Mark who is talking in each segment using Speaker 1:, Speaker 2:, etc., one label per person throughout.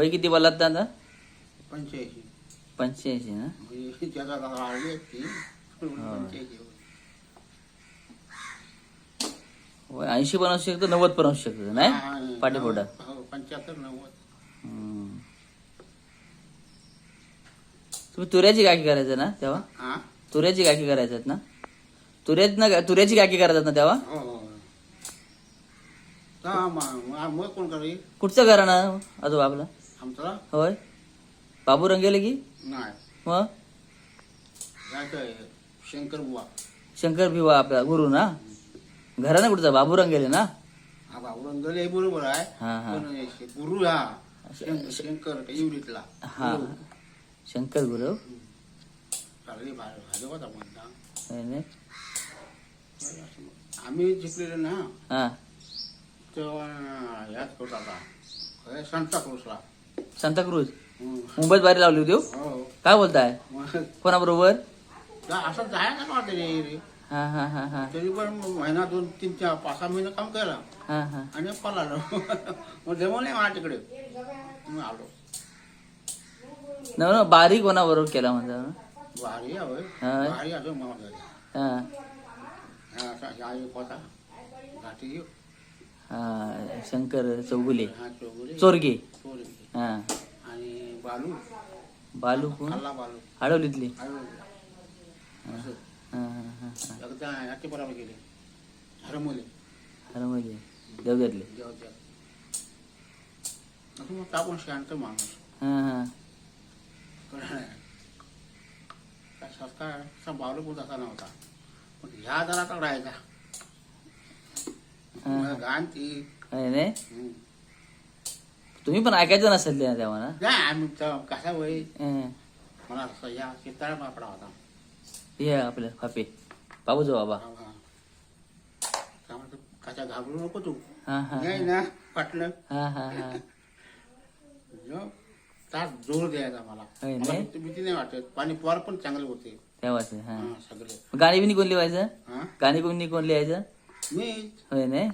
Speaker 1: वय किती बोलात दादा?
Speaker 2: 85.
Speaker 1: 85 ना?
Speaker 2: म्हणजे त्याचा आली असती 85.
Speaker 1: वय 80 पण असू शकतो, 90 पण असू शकतो नाही पाठीपोटा.
Speaker 2: 75 90.
Speaker 1: तुम्ही तुऱ्याची गाठी करायचं ना तेव्हा?
Speaker 2: हा
Speaker 1: तुऱ्याची गाठी करायच्यात ना? तुऱ्याची गाठी करायच्यात ना तेव्हा?
Speaker 2: हो हो मग कोण करेल?
Speaker 1: कुठचं घराणं आजोबा आपलं?
Speaker 2: आमचा
Speaker 1: होय बाबू रंगेले की
Speaker 2: नाही
Speaker 1: मग
Speaker 2: जायचं शंकर बुवा.
Speaker 1: शंकर भिवा आपला गुरु ना? घराणं कुठचा बाबू रंगेले ना?
Speaker 2: हा बाबुरंगल हे बरोबर आहे.
Speaker 1: हा हा
Speaker 2: पण गुरु हा शंकर इवडीतला.
Speaker 1: हा शंकर गुरु
Speaker 2: चांगली भाजी होता म्हणता.
Speaker 1: होय ने?
Speaker 2: आम्ही जिंकलेलो ना
Speaker 1: हा
Speaker 2: तेव्हा ह्याच होता आता सांताक्रूजला.
Speaker 1: सांताक्रूज मुंबईत बाहेर लावली होती हो?
Speaker 2: हो
Speaker 1: काय बोलताय?
Speaker 2: मग
Speaker 1: कोणाबरोबर?
Speaker 2: असं जायचं का वाटतं रे.
Speaker 1: हा हा हा हा
Speaker 2: तरी पण महिना 2 3 4 5 6 महिने काम केलं
Speaker 1: हा हा
Speaker 2: आणि पळालो. मग जमवलं नाही मला तिकडे. मग आलो.
Speaker 1: न बारीक कोणाबरोबर केला म्हणता ना?
Speaker 2: भारी आहे होय.
Speaker 1: हा.
Speaker 2: भारी असं मला
Speaker 1: हा
Speaker 2: असा एक होता घाटी
Speaker 1: हा शंकर चौगुले
Speaker 2: हा चौगुले
Speaker 1: चोरगे
Speaker 2: चोरी
Speaker 1: हा
Speaker 2: आणि बालू
Speaker 1: बालू कोण?
Speaker 2: खाल्ला बालू
Speaker 1: हडवलीतली
Speaker 2: असं
Speaker 1: हा हा हा हा
Speaker 2: एकदा याचे बरोबर गेले हरमले
Speaker 1: अरे म्हणजे देवघातले
Speaker 2: जेव्हा असं मग टाकून शांत माणूस
Speaker 1: हा हा
Speaker 2: कळलं नाही. काय सरकार असा बालू पण तसा नव्हता पण ह्या जरा का राहायचा घाण ती.
Speaker 1: होय ने? तुम्ही पण ऐकायचं नसेल ते तेव्हा ना?
Speaker 2: नाही आम्ही कसा वय
Speaker 1: हं.
Speaker 2: मला असं या शेताळा बापडा होता.
Speaker 1: हे आपलं फापे बाबूजो बाबा
Speaker 2: कसा घाबरू नको तू
Speaker 1: हा हा
Speaker 2: नाही ना पाटलं
Speaker 1: हा हा हा
Speaker 2: तास जोर द्यायचा मला.
Speaker 1: होय
Speaker 2: मला
Speaker 1: नाही?
Speaker 2: भीती नाही वाटत. पाणी पोर पण चांगले होते.
Speaker 1: तेव्हाच हा
Speaker 2: हा, सगळे
Speaker 1: गाणी बिनी कोण लिहायचं?
Speaker 2: हा
Speaker 1: गाणी कोणी कोण लिहायचं?
Speaker 2: मी
Speaker 1: होय ने?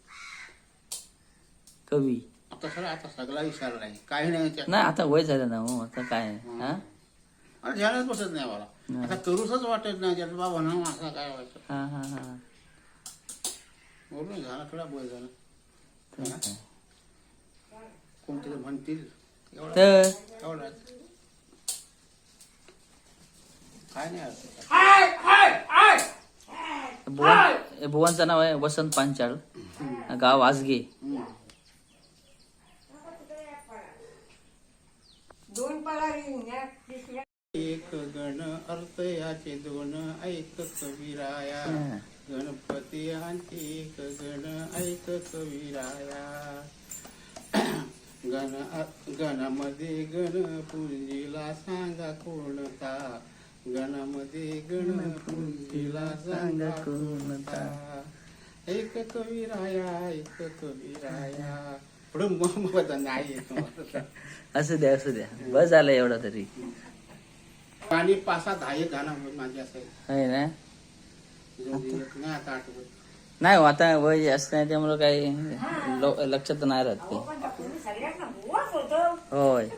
Speaker 1: कवी
Speaker 2: आता सगळा विचारला नाही काही नाही त्यात.
Speaker 1: नाही आता वय झालं ना हो आता काय हा
Speaker 2: आणि ध्यानच बसत नाही मला. आता करूसच वाटत नाही त्यात बाबा ना असं काय व्हायचं.
Speaker 1: हा हा हा
Speaker 2: बोलून झाला थोडा बोल झाला.
Speaker 1: तर काय.
Speaker 2: कोणतरी म्हणतील एवढा
Speaker 1: तर
Speaker 2: एवढा काय नाही अर्थ.
Speaker 1: बुवांचं नाव आहे वसंत पांचाळ गाव आजगे.
Speaker 2: एक गण अर्थ याचे दोन ऐक कविराया गणपती यांचे एक गण ऐक कविराया. गणामध्ये गण पुंजीला सांगा कोणता गणामध्ये गण पुंजीला सांगा कोणता एक कविराया एक कविराया. पुढे मग नाही येत.
Speaker 1: असू द्या बस झालं एवढं तरी.
Speaker 2: पाणी पासा 10 गाणं माझी असेल
Speaker 1: आहे ना?
Speaker 2: नाही आता आठवत.
Speaker 1: नाही हो, आता वय जास्त नाही त्यामुळं काही लक्षात नाही राहत ते. होय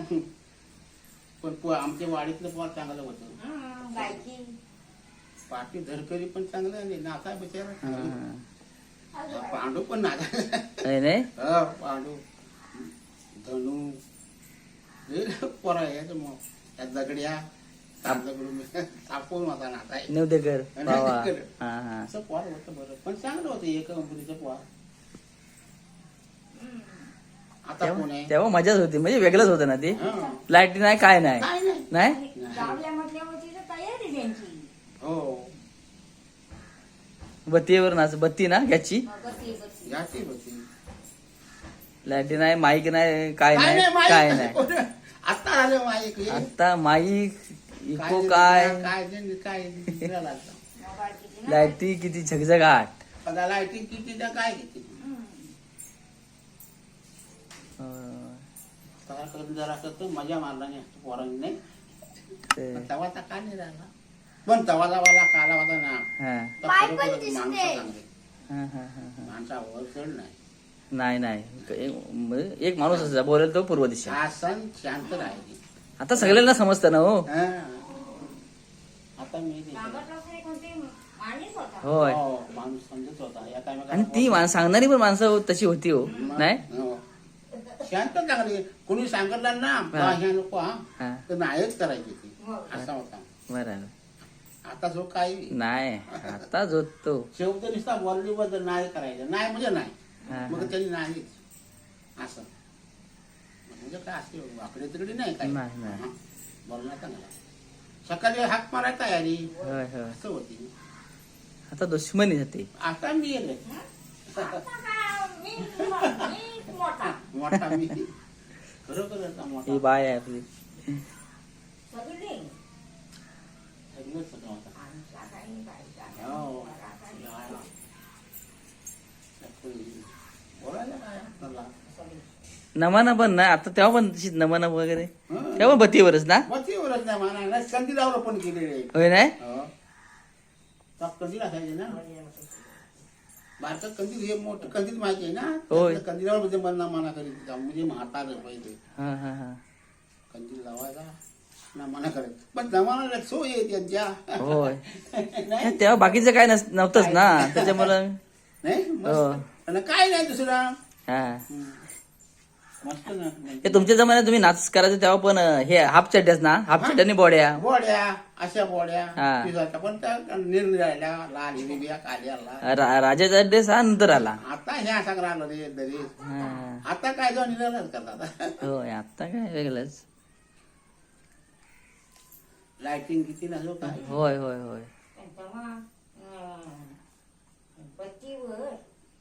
Speaker 2: पण आमच्या वाडीतलं पोर चांगलं होतं. पाठी धरकरी पण चांगलं आणि नाचा बिचारा पांडू पण नाचा.
Speaker 1: आहे नाही?
Speaker 2: पांडू धनू हे पोरा यायचं मग त्या दगड्या सापवून होता नाचाय
Speaker 1: नवदेकर बाबा हा हा
Speaker 2: असं पोर होतं बरं. पण चांगलं होतं एक अंबुरीचं पोर. आता कोण आहे?
Speaker 1: तेव्हा मजाच होती म्हणजे वेगळंच होतं ना ते.
Speaker 2: हा.
Speaker 1: लाईट नाही काय नाही
Speaker 2: काय नाही
Speaker 1: नाही
Speaker 2: हो
Speaker 1: बत्तीवर नाच बत्ती ना घ्याची
Speaker 2: याची होती.
Speaker 1: लाईट नाही माईक नाही काय
Speaker 2: काय
Speaker 1: नाही
Speaker 2: नाही
Speaker 1: काय
Speaker 2: माईक.
Speaker 1: नाही
Speaker 2: आता आले माईक हे.
Speaker 1: आता माईक इको
Speaker 2: काय
Speaker 1: काय
Speaker 2: काय
Speaker 1: लाईटी किती झगझगाट.
Speaker 2: लाईटिंग किती त्या काय किती जरा असं मजा मारला नाही पोरांनी नाही. तवा तर का नाही राहिला पण तवाला काला होता ना.
Speaker 1: हा
Speaker 2: तर खरोखरच माणसं चांगली.
Speaker 1: हा हा हा हा
Speaker 2: माणसावर चढ नाही.
Speaker 1: नाही नाही एक माणूस असा बोलेल तो पूर्व दिशा.
Speaker 2: शासन शांत राहायची.
Speaker 1: आता सगळ्यांना समजतं ना हो.
Speaker 2: हा. आता मी ते-
Speaker 1: होय.
Speaker 2: हो, माणूस समजत होता या
Speaker 1: आणि ती सांगणारी पण माणसं तशी होती हो नाही.
Speaker 2: हो. शांत चांगली कोणी सांगितलं ना बा ह्या नको हा
Speaker 1: हा
Speaker 2: तर नाहीच करायची ती असा होता.
Speaker 1: बरोबर.
Speaker 2: आता जो काही
Speaker 1: नाही आता जो तो
Speaker 2: शेवट नुसता बोलली बद्दल नाही करायचं नाही म्हणजे नाही
Speaker 1: हा,
Speaker 2: मग
Speaker 1: हा.
Speaker 2: त्यांनी नाहीच असं म्हणजे काय असे वाकडे तिकडे नाही काय
Speaker 1: नाही, नाही.
Speaker 2: हा. बोलणार चांगला सकाळी हाक मारायला तयारी
Speaker 1: होय होय.
Speaker 2: असं होती.
Speaker 1: आता दुश्मनी जाते.
Speaker 2: आता मी येले मोठा मी खरोखर मोठा
Speaker 1: ही बाय आहे आपली.
Speaker 2: सगळंच सगळं होता. हो. बोलायला काय आपल्याला?
Speaker 1: नमाना पण ना आता तेव्हा पण तशीच नमाना वगैरे
Speaker 2: हं.
Speaker 1: तेव्हा बत्तीवरच ना.
Speaker 2: वरच नाही म्हणा नाही कंदी लावलं पण केलेले आहे.
Speaker 1: होय नाही.
Speaker 2: हो. तर कंदील असायचे ना भारतात कंदील हे मोठं कंदील माहिती आहे ना
Speaker 1: होय.
Speaker 2: त्यातलं कंदिलावर म्हणजे मना मना करीत होता. म्हणजे म्हातारं पहिले
Speaker 1: हा हा हा.
Speaker 2: कंदील लावायचा ना मना करत पण जमाना सोय आहे त्यांच्या
Speaker 1: होय.
Speaker 2: नाही
Speaker 1: तेव्हा बाकीचं काय नव्हतंच ना त्याच्यामुळं.
Speaker 2: नाही
Speaker 1: हो.
Speaker 2: मस्त. आणि काय नाही दुसरं
Speaker 1: हा
Speaker 2: मस्त ना
Speaker 1: हे तुमच्या जमान्यात तुम्ही नाच करायचं तेव्हा पण हे हाफ चड्ड्याच ना. हाफ चड्ड्यानी बॉड्या.
Speaker 2: बोड्या अशा बोड्या
Speaker 1: हा.
Speaker 2: पिसाच्या पण त्या निरनिराळ्या लाल हिरव्या काल्या लाल
Speaker 1: राजाचा ड्रेस हा नंतर आला.
Speaker 2: आता हे असा राहिलं रे दरी
Speaker 1: हा.
Speaker 2: आता काय जाऊन निराळच करतात
Speaker 1: होय आता काय वेगळंच.
Speaker 2: लाइटिंग किती नसो काय
Speaker 1: होय होय होय.
Speaker 3: बत्तीवर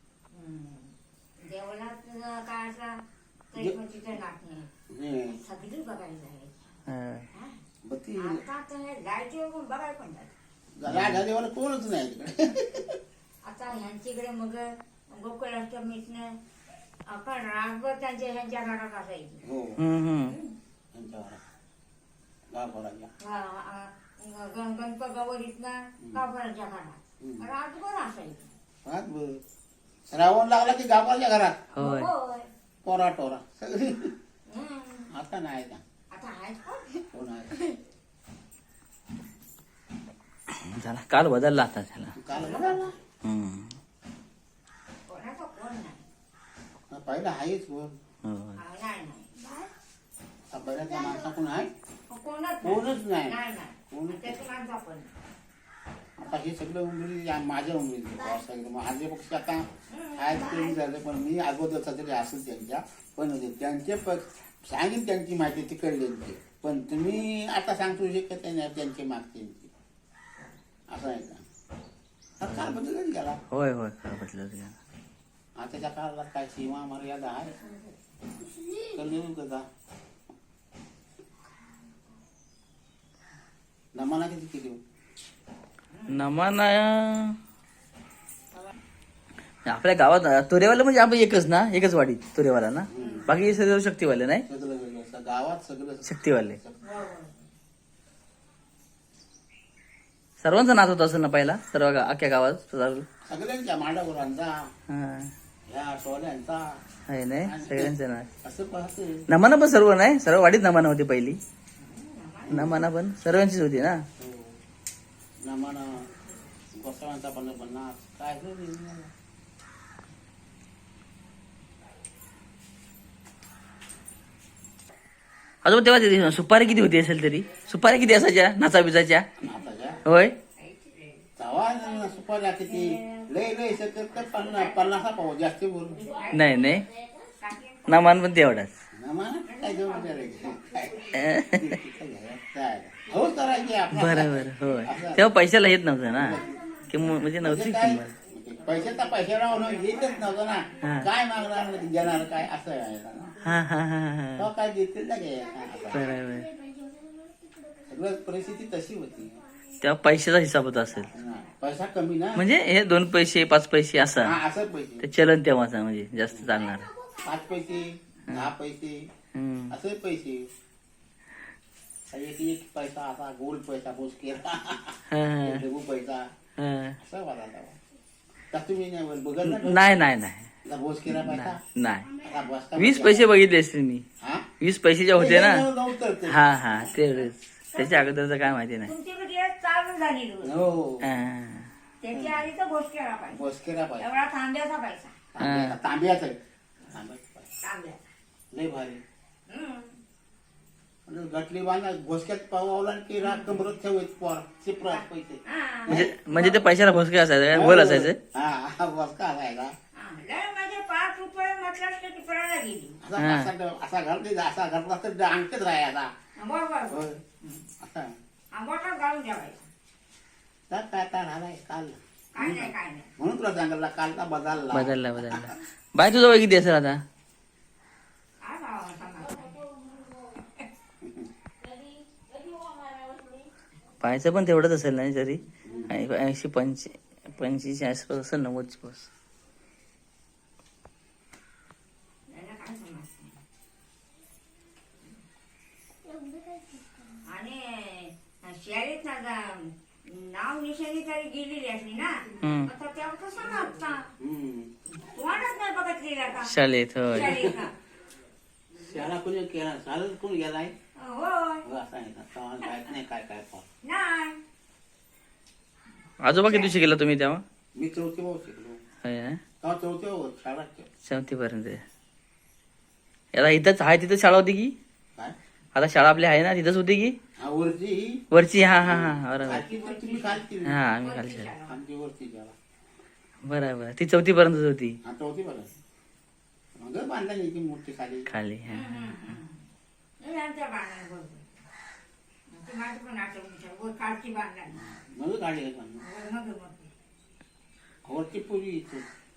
Speaker 3: देवळात काय असा तरी पण तिथं नाचणे सगळी बघायला जायची.
Speaker 1: हा.
Speaker 2: बत्ती
Speaker 3: आता तर लाईटीवर पण बघायला पण जायचं.
Speaker 2: लाट झाल्यावर कोणच नाही तिकडे
Speaker 3: आता ह्यांच्याकडे मग गोकुळाष्टमीतनं आपण रातभर ह्यांच्या घरात असायची.
Speaker 2: हो
Speaker 1: हम्म.
Speaker 2: त्यांच्यावर गावकऱ्याच्या
Speaker 3: गणपत गौरीतनं गावकऱ्यांच्या घरात रातभर असायची.
Speaker 2: हात बघ. श्रावण लागला की गावकऱ्याच्या घरात
Speaker 1: होय.
Speaker 3: होय.
Speaker 2: पोरा टोरा सगळी
Speaker 3: हम्म.
Speaker 2: आता नाही ना
Speaker 3: आता आहेत कोण?
Speaker 2: कोण आहे
Speaker 1: झाला काल बदलला आता त्याला.
Speaker 2: काल बघा ना.
Speaker 1: हम्म.
Speaker 3: कोणाचा कोण नाही.
Speaker 2: पहिला आहेच कोण
Speaker 1: होय.
Speaker 3: नाही नाही.
Speaker 2: आता बऱ्याचदा माणसा कोण आहे
Speaker 3: कोणच
Speaker 2: नाही.
Speaker 3: नाही नाही.
Speaker 2: कोणच
Speaker 3: त्याची माणसं आपण
Speaker 2: आता हे सगळं उमेद माझ्या उमेद माझे पक्ष आता आहेत कमी झाले पण मी अगोदरचा तरी असेल त्यांच्या पण त्यांचे सांगेन त्यांची माहिती तिकडल्यांची पण तुम्ही आता सांगतो शकत नाही त्यांची मागते असं आहे का काळ बदलच गेला
Speaker 1: होय होय काल बदलत गेला.
Speaker 2: आताच्या काळाला काय सीमा मर्यादा आहे कळलं कदा नमाना किती केली
Speaker 1: नमाना आपल्या गावात तुरेवाला म्हणजे आपण एकच ना एकच वाडी तुरेवाला ना. बाकी सर्व शक्तीवाले नाही.
Speaker 2: सगळं वेगळं गावात सगळं
Speaker 1: शक्तीवाले सर्वांचा नाच होता असं ना पहिला सर्व अख्ख्या गावात.
Speaker 2: सगळ्यांच्या मांडावरांचा
Speaker 1: हा
Speaker 2: ह्या टोल्यांचा
Speaker 1: आहे नाही सगळ्यांचं नाच.
Speaker 2: असं पाहते
Speaker 1: नमाना पण सर्व नाही सर्व वाडीत नमाना होती पहिली. नमाना पण सर्वांचीच होती ना.
Speaker 2: नमाना गोसाव्यांचा पण नाच काय
Speaker 1: अजून तेव्हा ते सुपारी किती होती असेल तरी. सुपारी किती असायच्या नाचा बिचाच्या.
Speaker 2: नाचाच्या
Speaker 1: होय.
Speaker 2: तवा सुपाऱ्या किती लय लय तर 50 पाहू जास्त बोल
Speaker 1: नाही नाही नमान पण तेवढाच.
Speaker 2: नमाना काय जेवण काय हौस करायची
Speaker 1: बरोबर होय. तेव्हा पैशाला येत नव्हतं ना किंमत म्हणजे नव्हती किंमत.
Speaker 2: पैशाचा पैसा राहून येतच नव्हतं
Speaker 1: हा.
Speaker 2: ना काय मागणार देणार काय असं आहे ना.
Speaker 1: हा हा हा हा
Speaker 2: तो काय देतील ना
Speaker 1: बरोबर.
Speaker 2: सगळं परिस्थिती तशी होती
Speaker 1: तेव्हा पैशाचा हिसाब होत असेल
Speaker 2: पैसा कमी ना
Speaker 1: म्हणजे हे 2 पैसे 5 पैसे असं
Speaker 2: हा, असं पैसे
Speaker 1: ते चलन तेव्हाचा म्हणजे जास्त चालणार.
Speaker 2: 5 पैसे 10 पैसे
Speaker 1: हम्म.
Speaker 2: असे पैसे एक एक पैसा असा गोल्ड पैसा बोस केला
Speaker 1: हा, हा,
Speaker 2: पैसा
Speaker 1: हा.
Speaker 2: असं वाला तर तुम्ही नाही बघत ना
Speaker 1: नाही नाही नाही
Speaker 2: आता भोज केला पैसा
Speaker 1: नाही
Speaker 2: आता बसता
Speaker 1: 20 पैसे बघितले असते मी
Speaker 2: हा
Speaker 1: 20 पैशाच्या होते ना
Speaker 2: नव्हतं ते.
Speaker 1: हा हा तेवढेच त्याच्या अगोदरचं काय माहिती नाही
Speaker 3: तुमची म्हणजे चालू झाली रोज
Speaker 2: हो
Speaker 1: हा.
Speaker 3: त्याची आधी तर गोष्ट केला पाहिजे
Speaker 2: भोज केला पैसा
Speaker 3: एवढा तांब्याचा पैसा
Speaker 2: तांब्याचा तांब्याचा पैसा
Speaker 3: तांब्याचा
Speaker 2: लय भारी
Speaker 3: हम्म.
Speaker 2: आणि गटली बांधा घोसक्यात पावला की राग कमरत ठेवायची पोर चिपरात पैसे
Speaker 3: हा.
Speaker 1: म्हणजे ते पैशाला भोसके असायचं काय बोल असायचं
Speaker 2: हा बसका असायचा
Speaker 3: हा. लय म्हणजे 5 रुपये म्हटलं की ती पळायला गेली
Speaker 2: असा घालते असा घातला तर अंगठेच राहायचा
Speaker 3: बरोबर
Speaker 2: होय. असा
Speaker 3: आंबोटा घालून ठेवायचा
Speaker 2: तर काय काय राहिलाय काल
Speaker 3: काय नाही काय नाही
Speaker 2: म्हणून तुला सांगितलं कालचा बदलला
Speaker 1: बदलला बाय तुझं वय किती असेल आता
Speaker 3: काय भावा सांगा
Speaker 1: पाहायचं पण तेवढंच असेल नाही तरी 80-85 आसपास असेल 90 पास
Speaker 3: याला काय समजतं आणि शाळेत ना नाव निशाणी तरी गेलेली असली ना आता तेव्हा कसं नाचता कोणच नाही बघितलेला का
Speaker 1: शाळेत होय
Speaker 3: शाळेत ना.
Speaker 2: शाळा कोणी केला शाळा कोण गेलाय
Speaker 3: होय
Speaker 2: असं आहे का तेव्हा काय नाही काय काय पाह
Speaker 3: नाही
Speaker 1: आजोबा किती शिकला तुम्ही तेव्हा
Speaker 2: मी चौथी भाऊ शिकलो
Speaker 1: होय ना
Speaker 2: तेव्हा चौथी भाऊ शाळा
Speaker 1: 4थी पर्यंत याला इथंच आहे तिथं शाळा होती की
Speaker 2: काय
Speaker 1: आता शाळा आपली आहे ना तिथंच होती की
Speaker 2: हा वरची
Speaker 1: वरची हा हा हा बरोबर
Speaker 2: खालची वरची मी खालची
Speaker 1: हा आम्ही खाली शाळा
Speaker 2: आमची वरची शाळा
Speaker 1: बरोबर ती 4थी पर्यंतच होती
Speaker 2: हा चौथी बरं मग बांधला नाही ती मोठी खाली
Speaker 1: खाली हा
Speaker 3: नाही आमच्या बांधणार बरोबर ती माझी पण आठवण कालची बांधणार
Speaker 2: मग गाडी आहे पण
Speaker 3: मग
Speaker 2: वरची पुरी इथे